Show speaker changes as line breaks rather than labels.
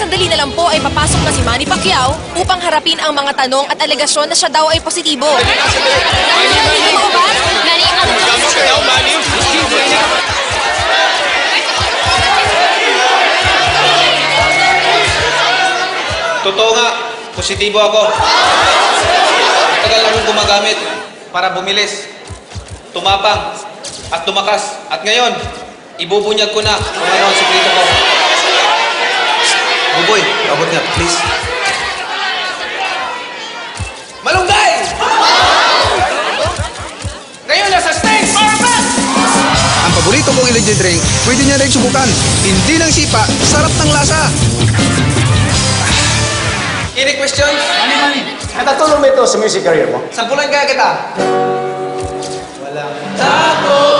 sandali na lang po ay papasok na si Manny Pacquiao upang harapin ang mga tanong at alegasyon na siya daw ay positibo. Totoo ba? Manny,
Totoo nga, positibo ako. Tagal akong gumagamit para bumilis, tumapang, at tumakas. At ngayon, ibubunyag ko na kung ano ang sikreto ko. Buboy, abot nga, please. Malunggay! Ngayon, nasa stage!
Ang paborito kong energy drink, pwede niya rin subukan. Hindi ng sipa, sarap ng lasa.
Any questions?
Mani, natatulong ba ito sa music career mo?
Sampulan kaya kita. Walang tago